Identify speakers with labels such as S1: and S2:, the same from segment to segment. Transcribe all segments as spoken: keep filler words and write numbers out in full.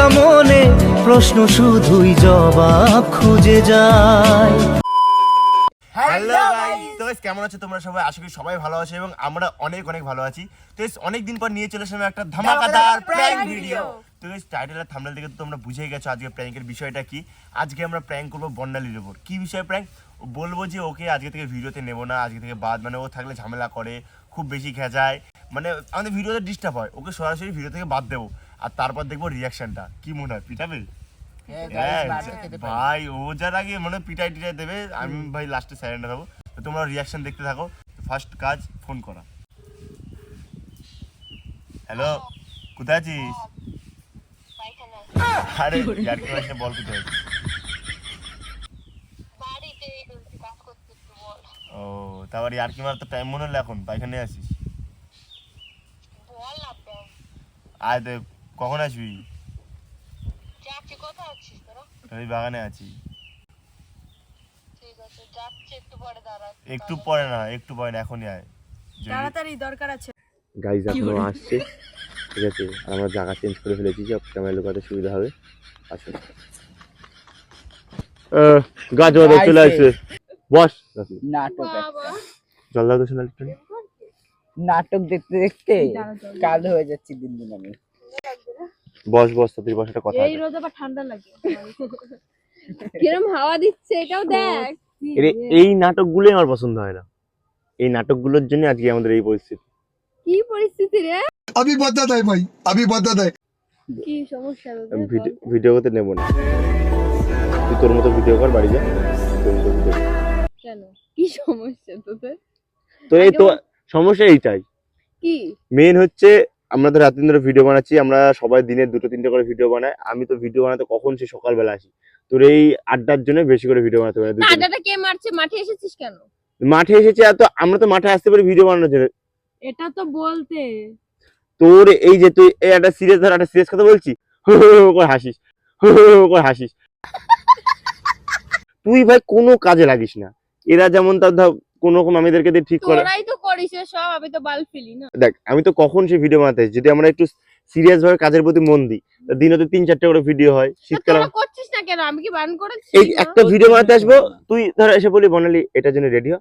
S1: একা মনে প্রশ্ন শুধুই জবাব খুঁজে যায়।
S2: হ্যালো গাইস, তো গাইস কেমন আছো তোমরা সবাই? আশা করি সবাই ভালো আছো এবং আমরা অনেক অনেক ভালো আছি। তো গাইস অনেক দিন পর নিয়ে চলে আসলাম একটা ধামাকাদার প্র্যাঙ্ক ভিডিও। তো গাইস টাইটেল আর থাম্বনেল দেখে তো তোমরা বুঝেই গেছো আজকে প্র্যাঙ্কের বিষয়টা কি। আজকে আমরা প্র্যাঙ্ক করব বর্ণালীর উপর। কি বিষয়ে প্র্যাঙ্ক? বলবো যে ওকে আজকে থেকে ভিডিওতে নেব না, আজকে থেকে বাদ, মানে ও থাকলে ঝামেলা করে, খুব বেশি খেঁচায়, মানে আমাদের ভিডিওতে ডিস্টার্ব হয়। ওকে সরাসরি ভিডিও থেকে বাদ দেবো আর তারপর দেখবো রিয়াকশনটা কি মনে হয়। পিটাবে ভাই, ও যার আগে মানে পিটাই টিটাই দেবে, আমি ভাই লাস্টে সাইলেন্ট হবো। তো তোমরা রিয়াকশন দেখতে থাকো। ফার্স্ট কাজ ফোন করা। হ্যালো, কোথায় আছিস? আরে ইয়ার কি হয়েছে বল, কোথায় আছিস? ও তারপর ইয়ার কি মার তো টাইম মনে হলো এখন পাইখানে আসিস? আয় তো কখন আসবি? ওই বাগানে আছি। একটু পরে না, একটু পরে না, এখনই আয়,
S3: তাড়াতাড়ি দরকার আছে।
S2: গাইজ এখনো আসছে, ঠিক আছে? আমরা জায়গা চেঞ্জ করে ফেলেছি, সব ক্যামেরা লোকাতে সুবিধা হবে। আসুন, গাছ বাদে চলে আসছে। বস,
S4: নাটক
S2: জল দাও তো শোনা একটু।
S4: নাটক দেখতে দেখতে কাল হয়ে যাচ্ছে দিন দিন। আমি
S2: বস বস তাদের বস, একটা কথা
S3: এই রোদ আবার ঠান্ডা লাগে। কিরম হাওয়া দিচ্ছে এটাও দেখ।
S2: এই নাটকগুলোই আমার পছন্দ হয় না। এই নাটকগুলোর জন্য আজকে আমাদের এই পরিস্থিতি।
S3: কি পরিস্থিতি রে?
S5: अभी बता दे भाई, अभी बता दे।
S3: কি সমস্যা রে?
S2: আমি ভিডিও করতে নেব না, তুই তোর মতো ভিডিও কর, বাড়ি যা।
S3: কেন, কি সমস্যা তোদের?
S2: তো এই তো সমস্যা এইটাই।
S3: কি
S2: মেইন হচ্ছে আমরা তো রাত দিন ধরে ভিডিও বানাচ্ছি, আমরা সবাই দিনে দুটো তিনটে করে ভিডিও বানাই। আমি তো ভিডিও বানাতে কখন সে সকালবেলা আসি, তোর এই আড্ডার জন্য বেশি করে ভিডিও বানাতে পারি।
S3: আড্ডাটা কে মারছে? মাঠে এসেছিস কেন?
S2: মাঠে এসেছি আর তো আমরা তো মাঠে আসতে পারি ভিডিও বানানোর জন্য।
S3: এটা তো বলতে
S2: তোর এই যে তুই এই একটা সিরিয়াস ধর, একটা সিরিয়াস কথা বলছি, হো হো হো করে হাসিস, হো হো হো করে হাসিস। তুই ভাই কোনো কাজে লাগিস না। এরা যেমন তার ধর কোন রকম আমাদেরকে দিয়ে ঠিক করে।
S3: তোরাই তো করিস সব, আমি তো বাল ফেলি না।
S2: দেখ আমি তো কখন সে ভিডিও বানাতে, যদি আমরা একটু সিরিয়াস ভাবে কাজের প্রতি মন দিই, দিনে তো তিন চারটে করে ভিডিও হয়। শীতকালে
S3: তোরা করছিস না কেন? আমি কি বান করেছি?
S2: এই একটা ভিডিও বানাতে আসবো, তুই ধর এসে বলি বর্ণালী এটার জন্য রেডি হ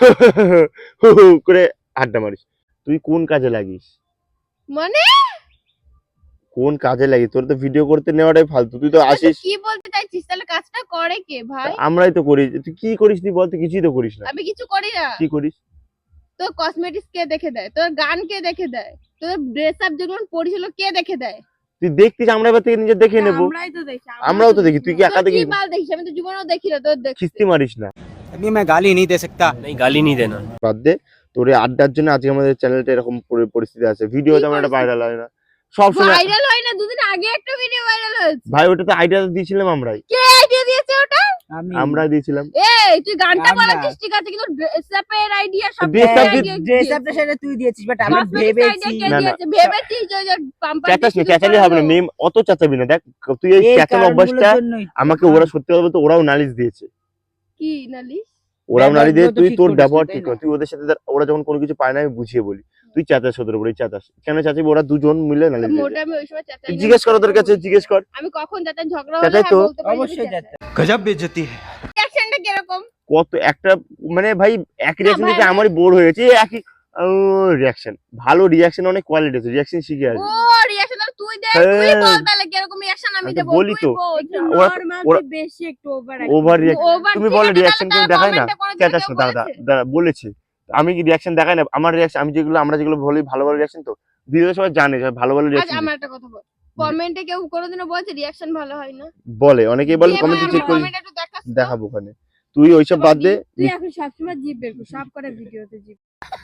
S2: করে আড্ডা মারিস। তুই কোন কাজে লাগিস?
S3: মানে
S2: কোন কাজে লাগিস? তোর তো ভিডিও করতে নেওয়াটাই ফালতু। তুই তো আসিস।
S3: কি বলতে চাইছিস? তাহলে কাজটা করে কে ভাই?
S2: আমরাই তো করি। তুই কি করিস? তুই বল, তুই কিছুই তো করিস না।
S3: আমি কিছু করি না।
S2: কি করিস?
S3: তোর কসমেটিক্স কে দেখে দেয়? তোর গান কে দেখে দেয়? তোর ড্রেস আপ যেগুলো পরিছিল কে দেখে দেয়?
S2: তুই দেখতিস, আমরা এবার থেকে নিজে দেখে নেবো।
S3: আমরাই তো দেখি।
S2: আমরাও তো দেখি, তুই কি একা দেখিস?
S3: কি বাল দেখিস? আমি তো জীবনেও দেখি না। তোর দেখ
S2: খিস্তি মারিস না।
S6: अभी मैं गाली नहीं दे सकता। नहीं गाली नहीं देना।
S2: বাদ দে, তোর এই আড্ডার জন্য আজকে আমাদের চ্যানেলটা এরকম পরি- পরিস্থিতি আছে। ভিডিও তেমন একটা ভাইরাল হয় না সব সময়।
S3: ভাইরাল হয় না? দুদিন আগে একটা ভিডিও ভাইরাল হয়েছে।
S2: ভাই ওটা তো আইডিয়া দিয়েছিলাম আমরাই,
S3: কে আইডিয়া দিয়েছে ওটা?
S4: আমি
S2: আমরা দিয়েছিলাম।
S3: এই তুই গানটা
S4: আমরা।
S3: বলাচ্ছিস ঠিক আছে, কিন্তু ড্রেস আপের আইডিয়া সব
S2: dress up
S4: ড্রেস আপটা সেটা তুই দিয়েছিস, বাট আমি ভেবেছি
S2: না, না।
S3: ভেবেছিস যে ওই যে পাম্পার
S2: চেঁচাস না, চেঁচালি হবে না। মেম অত চেঁচাবি না। দেখ তুই এই
S4: এই
S2: চেঁচানো অভ্যাসটা
S4: কারণগুলোর জন্যই তো।
S2: আমাকে ওরা সত্যি কথা বলতে ওরাও নালিশ দিয়েছে।
S3: কি নালিশ?
S2: ওরাও নালিশ দিয়ে
S4: ব্যবহারগুলো তো
S2: তুই
S4: ঠিক
S2: তোর
S4: করিস
S2: ব্যবহার
S4: না,
S2: ঠিক
S4: তাই
S2: কর।
S4: না?
S2: তুই ওদের সাথে ধর, ওরা যখন কোনো কিছু পায় না আমি বুঝিয়ে বলি, তুই চেঁচাস ওদের উপরে। চাচাস কেন? চাচাবি ওরা দুজন মিলে নালিশ দিয়েছে।
S3: মোটা আমি ওই সময় চাচাই না।
S2: জিজ্ঞেস কর ওদের কাছে, জিজ্ঞেস কর।
S3: আমি কখন চাচা ঝগড়া
S2: চাচাই
S3: হলো
S2: তো।
S3: হ্যাঁ বলতে পারি।
S4: অবশ্যই যাচ্ছে।
S6: गजब बेइज्जती है।
S3: রিঅ্যাকশনটা কি রকম?
S2: কত একটা মানে ভাই একই রিয়াকশন
S3: ভাই,
S2: দিতে
S3: ভাই।
S2: আমারই বোর হয়ে গেছে। এই একই রিয়াকশন। ভালো রিয়াকশন অনেক কোয়ালিটি আছে, রিয়াকশন শিখে
S3: ও
S2: আসবে।
S3: রিঅ্যাকশন তুই দে,
S2: হ্যাঁ।
S3: তুই বল তাহলে কি রকম রিঅ্যাকশন আমি
S2: আমি তো
S3: দেব?
S2: বলি
S3: তুই
S2: তো।
S3: বল।
S2: ওরা-
S3: নরমাল
S2: ওরা-
S3: তুই বেশি একটু ওভার
S2: ওভার রিয়াকশন।
S3: ওভার
S2: তুমি বলো রিয়াকশন কেউ দেখায় না? চেঁচাস না, দাদা দাদা বলেছে আমি কি রিয়াকশন দেখাই না? আমার রিয়াকশন আমি যেগুলো আমরা যেগুলো বলি ভালো ভালো রিয়াকশন, তো ভিডিও সবাই জানে সবাই ভালো ভালো
S3: আচ্ছা
S2: রিয়াকশন
S3: আমার একটা কথা বল, কমেন্টে কেউ কোনোদিনও বলছে রিঅ্যাকশন ভালো হয় না?
S2: বলে, অনেকেই বলে,
S3: কে
S2: কমেন্টে
S3: বলে?
S2: চেক করি,
S3: কমেন্টে একটু দেখাস তো।
S2: দেখাবো ওখানে। তুই ওইসব বাদ দে।
S3: তুই এখন সবসময় জিভ বের কর, সব করে ভিডিওতে জিভ।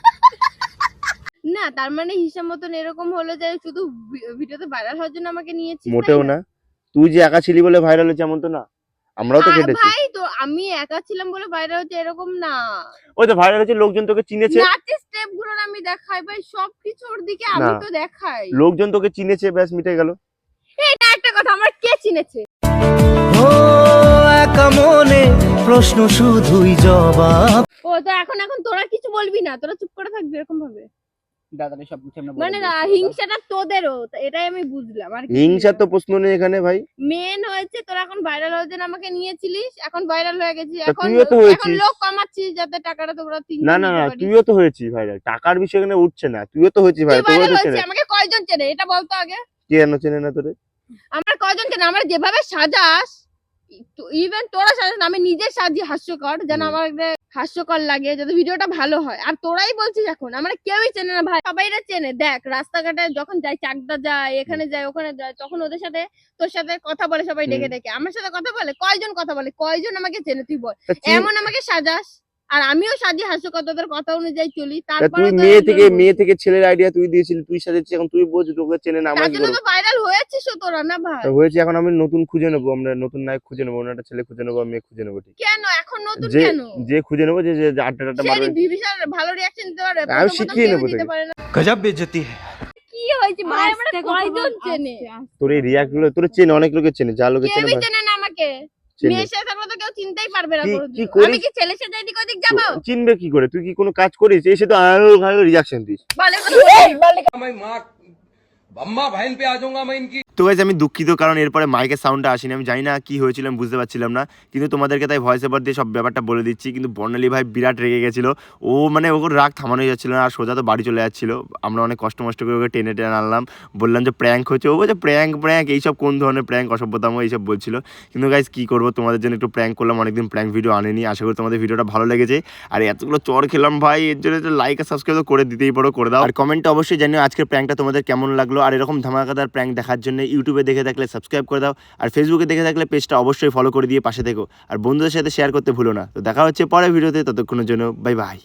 S3: না তার মানে হিসাব মতন এরকম হলো যে শুধু ভি- ভিডিওতে ভাইরাল হওয়ার জন্য আমাকে নিয়েছিস?
S2: মোটেও না। তুই যে একা ছিলি বলে ভাইরাল হয়েছে এমন তো না, আমরাও তো
S3: আ,
S2: কেটেছি।
S3: ভাই তো আমি একা ছিলাম বলে ভাইরাল হচ্ছে এরকম না।
S2: ওই তো ভাইরাল হয়েছে, লোকজন তোকে চিনেছে,
S3: নাচের স্টেপ গুলো আমি দেখাই ভাই, সবকিছুর দিকে আমি
S2: না।
S3: তো দেখাই।
S2: লোকজন তোকে চিনেছে, ব্যাস মিটে গেল।
S3: এটা একটা কথা, আমার কে চিনেছে?
S1: ও একা মনে প্রশ্ন শুধুই জবাব।
S3: ও তো এখন এখন তোরা কিছু বলবি না, তোরা চুপ করে থাকবি এরকম ভাবে।
S4: দাদারা সব কিছু আমরা বলে
S3: মানে না
S4: দিয়েছি।
S3: হিংসাটা তোদেরও তো এটাই আমি বুঝলাম আর কি
S2: হিংসার তো প্রশ্ন নেই এখানে ভাই।
S3: মেন হয়েছে তোরা এখন ভাইরাল হওয়ার জন্য আমাকে নিয়েছিলিস এখন ভাইরাল হয়ে গেছিস
S2: তা
S3: এখন
S2: তুইও তো
S3: এখন
S2: হয়েছিস।
S3: লোক কামাচ্ছিস যাতে টাকাটা তোমরা তিনজন
S2: না না
S3: দিতে
S2: না
S3: পারিস।
S2: তুইও তো হয়েছিস ভাই, টাকার বিষয় এখানে উঠছে না, তুইও তো হয়েছিস ভাই,
S3: তুই
S2: তোরও
S3: ভাইরাল
S2: তো
S3: হয়েছিস
S2: চেনে।
S3: আমাকে কয়জন চেনে এটা বলতো আগে
S2: কে জানো চেনে না তোরে?
S3: আমার কয়জন চেনে আমার যেভাবে সাজাস ইভেন তোরা সাজাস না, আমি নিজে সাজি হাস্যকর যেন
S2: হুম।
S3: আমার হাস্যকর লাগে যাতে ভিডিওটা ভালো হয়। আর তোরাই বলছিস এখন আমার কেউই চেনে না ভাই, সবাইরা চেনে। দেখ রাস্তাঘাটে যখন যাই চাকদা যায় এখানে যায় ওখানে যায় তখন ওদের সাথে তোর সাথে কথা বলে সবাই ডেকে ডেকে, আমার সাথে কথা বলে কয়জন কথা বলে কয়জন আমাকে চেনে তুই বল।
S2: তা চিন-
S3: এমন আমাকে সাজাস আর আমিও সাজি হাস্যকর তোদের কথা অনুযায়ী চলি
S2: তা
S3: তারপরে
S2: তুই মেয়ে থেকে মেয়ে থেকে ছেলের আইডিয়া তুই দিয়েছিলি, তুই সাজাচ্ছিস, এখন তুই বলছিস তোকে চেনে না, আমরা
S3: তার
S2: কি
S3: জন্য
S2: করবো?
S3: তো ভাইরাল হয়েছিস তোরা না ভাই।
S2: তা হয়েছে, এখন আমি নতুন খুঁজে নেবো, আমরা নতুন নায়ক খুঁজে নেবো, অন্য একটা ছেলে খুঁজে নেবো, মেয়ে খুঁজে নেবো, ঠিক
S3: কেন এখন নতুন
S2: যে
S3: কেন
S2: যে খুঁজে নেবো যে যে যে আড্ডা টাড্ডা মারবে।
S3: সেই বিশাল ভালো রিঅ্যাকশন দিতে পারে
S2: আমি
S3: প্রথম প্রথম
S2: শিখিয়ে
S3: কেউ
S2: নেবো
S3: দিতে
S2: তোকে।
S3: পারে না।
S6: गजब बेइज्जती है।
S3: কি হয়েছে ভাই আমরা কয়জন চেনে
S2: তোর এই রিয়াক্ট গুলো তোর চেনে, অনেক লোকে চেনে, যা লোকে চেনে
S3: কেউই
S2: ভাই,
S3: চেনে না আমাকে।
S2: চেনে।
S3: মেয়ের সাথে থাকলে তো কেউ চিনতেই পারবে না
S2: কি-
S3: কোনোদিন।
S2: কি করিস?
S3: আমি কি ছেলের সাথে এদিক ওদিক যাবো
S2: তো চিনবে কি করে? তুই কি কোনো কাজ করিস? এসে তো আরো ভালো রিয়াকশন দিস।
S3: বলে কথা বলে।
S2: তো গাইস আমি দুঃখিত, কারণ এরপরে মাইকের সাউন্ডটা আসেনি, আমি জানি না কি হয়েছিল, আমি বুঝতে পারছিলাম না, কিন্তু তোমাদেরকে তাই ভয়েস ওভার দিয়ে সব ব্যাপারটা বলে দিচ্ছি। কিন্তু বর্ণালী ভাই বিরাট রেগে গেছিল, ও মানে ওর রাগ থামানোই যাচ্ছিল না, আর সোজা তো বাড়ি চলে যাচ্ছিল। আমরা অনেক কষ্ট মষ্ট করে ওকে টেনে টেনে আনলাম, বললাম যে প্র্যাঙ্ক হচ্ছে, ও বলছে প্র্যাঙ্ক প্র্যাঙ্ক এইসব কোন ধরনের প্র্যাঙ্ক, অসভ্যতাম এইসব বলছিল। কিন্তু গাইস কি করবো, তোমাদের জন্য একটু প্র্যাঙ্ক করলাম, অনেকদিন প্র্যাঙ্ক ভিডিও আনেনি, আশা করি তোমাদের ভিডিওটা ভালো লেগেছে। আর এতগুলো চর খেলাম ভাই, এর জন্য লাইক আর সাবস্ক্রাইব করে দিতেই পারো, করে দাও। আর কমেন্টে অবশ্যই জানিও আজকের প্র্যাঙ্কটা তোমাদের কেমন লাগলো, আর এরকম ধামাকাদার প্র্যাঙ্ক দেখার জন্য ইউটিউবে দেখে থাকলে সাবস্ক্রাইব করে দাও, আর ফেসবুকে দেখে থাকলে পেজটা অবশ্যই ফলো করে দিয়ে পাশে থেকো, আর বন্ধুদের সাথে শেয়ার করতে ভুলো না। তো দেখা হচ্ছে পরের ভিডিওতে, ততক্ষণের জন্য বাই বাই।